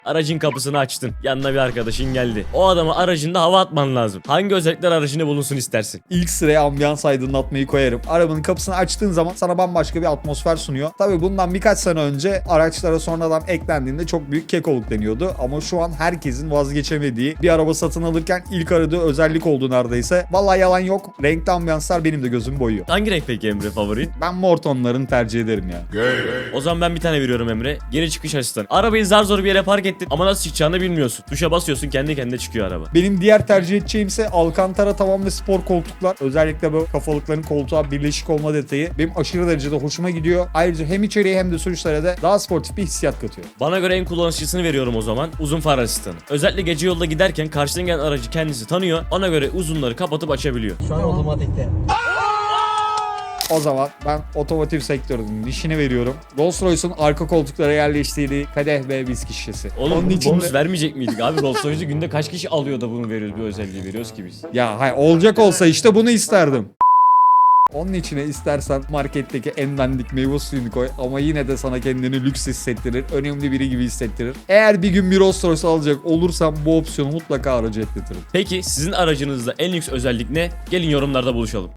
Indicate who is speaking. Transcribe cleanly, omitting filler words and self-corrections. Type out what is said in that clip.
Speaker 1: Aracın kapısını açtın. Yanına bir arkadaşın geldi. O adama aracında hava atman lazım. Hangi özellikler aracında bulunsun istersin?
Speaker 2: İlk sıraya ambiyans aydınlatmayı koyarım. Arabanın kapısını açtığın zaman sana bambaşka bir atmosfer sunuyor. Tabii bundan birkaç sene önce araçlara sonradan eklendiğinde çok büyük kekoluk deniyordu. Ama şu an herkesin vazgeçemediği bir araba satın alırken ilk aradığı özellik oldu neredeyse. Vallahi yalan yok. Renkli ambiyanslar benim de gözümü boyuyor.
Speaker 1: Hangi renk peki Emre favorin?
Speaker 2: Ben mor tonlarını tercih ederim ya.
Speaker 1: O zaman ben bir tane veriyorum Emre. Geri çıkış asistanı. Arabayı zar zor bir yere park ettin ama nasıl çıkacağını bilmiyorsun. Tuşa basıyorsun, kendi kendine çıkıyor araba.
Speaker 2: Benim diğer tercih edeceğim ise Alcantara tavan ve spor koltuklar. Özellikle bu kafalıkların koltuğa birleşik olma detayı benim aşırı derecede hoşuma gidiyor. Ayrıca hem içeriye hem de sürüşlere de daha sportif bir hissiyat katıyor.
Speaker 1: Bana göre en kullanışlısını veriyorum o zaman. Uzun far asistanı. Özellikle gece yolda giderken karşıdan gelen aracı kendisi tanıyor. Ona göre uzunları kapatıp açabiliyor.
Speaker 3: Şu an otomatikte.
Speaker 2: O zaman ben otomotiv sektörünün dişini veriyorum. Rolls-Royce'un arka koltuklara yerleştirdiği kadeh ve viski şişesi.
Speaker 1: Oğlum
Speaker 2: Onun
Speaker 1: bu
Speaker 2: için
Speaker 1: bonus
Speaker 2: de...
Speaker 1: vermeyecek miydik abi? Rolls Royce'u günde kaç kişi alıyor da bunu veriyoruz, bir özelliği veriyoruz ki biz.
Speaker 2: Ya hayır, olacak olsa işte bunu isterdim. Onun içine istersen marketteki en dandik meyve suyunu koy ama yine de sana kendini lüks hissettirir. Önemli biri gibi hissettirir. Eğer bir gün bir Rolls Royce alacak olursam bu opsiyonu mutlaka aracı ekletirim.
Speaker 1: Peki sizin aracınızda en lüks özellik ne? Gelin yorumlarda buluşalım.